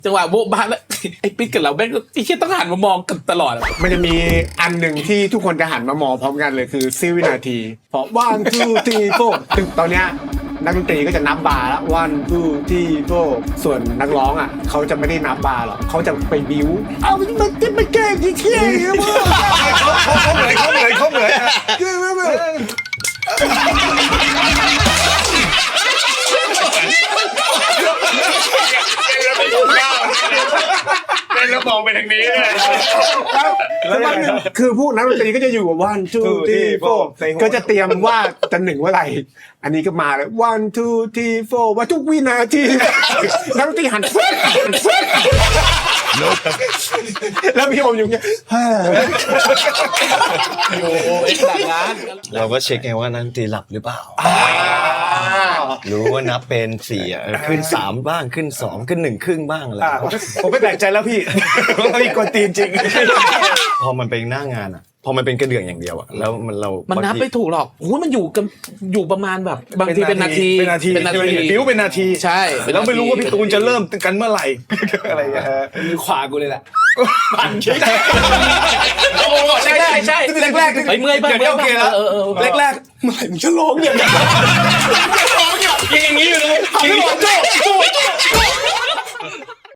จังหวะโบ๊ะบ้าแล้วไอ้ปิ๊กกับเราแม่งไอ้เชี่ยต้องหันมามองกันตลอดมันจะมีอันหนึ่งที่ทุกคนจะหันมามองพร้อมกันเลยคือ10 วินาทีพอ 1 2 3 4ซึ่งตอนเนี้ยนักดนตรีก็จะนับบาร์แล้ว1 2 3 4ส่วนนักร้องอ่ะเขาจะไม่ได้นับบาร์หรอกเขาจะไปบิ้วเอามันเก่งที่เที่ยงเนี่ยมึงเขาเหนื่อยเป็นระบบไปทางนี้เลยแล้ววันหนึ่งคือพวกนักดนตรีก็จะอยู่กับ1 2 3 4ก็จะเตรียมว่าจะหนึ่งเมื่อไหร่อันนี้ก็มาเลย1 2 3 4ว่าทุกวินาทีนักดนตรีหันแล้วพี่โอมอยู่เงี้ยโอ้โหไอ้ต่างร้านเราก็เช็คไงว่านักดนตรีหลับหรือเปล่ารู้ว่านับเป็น4ขึ้น3บ้างขึ้น2ขึ้น1ครึ่งบ้างอะไรผมไม่แปลกใจแล้วพี่พี่กวนตีนจริงพอมันเป็นหน้างานอ่ะพอมันเป็นกระเดื่องอย่างเดียวอ่ะแล้วมันนับไม่ถูกหรอกโอ้ยมันอยู่ประมาณแบบบางทีเป็นนาทีเป็นนาทีบิ้วเป็นนาทีใช่แล้วไม่รู้ว่าพี่ตูนจะเริ่มกันเมื่อไหร่อะไรอย่างเงี้ยมือขวากูเลยแหละใช่ใช่แรกไอ้เมื่อยบ้างเดี๋ยวโอเคแล้ว แรกเมื่อไหร่มึงจะร้องอย่างนี้อย่างนี้อยู่เลยพี่บอกโจ้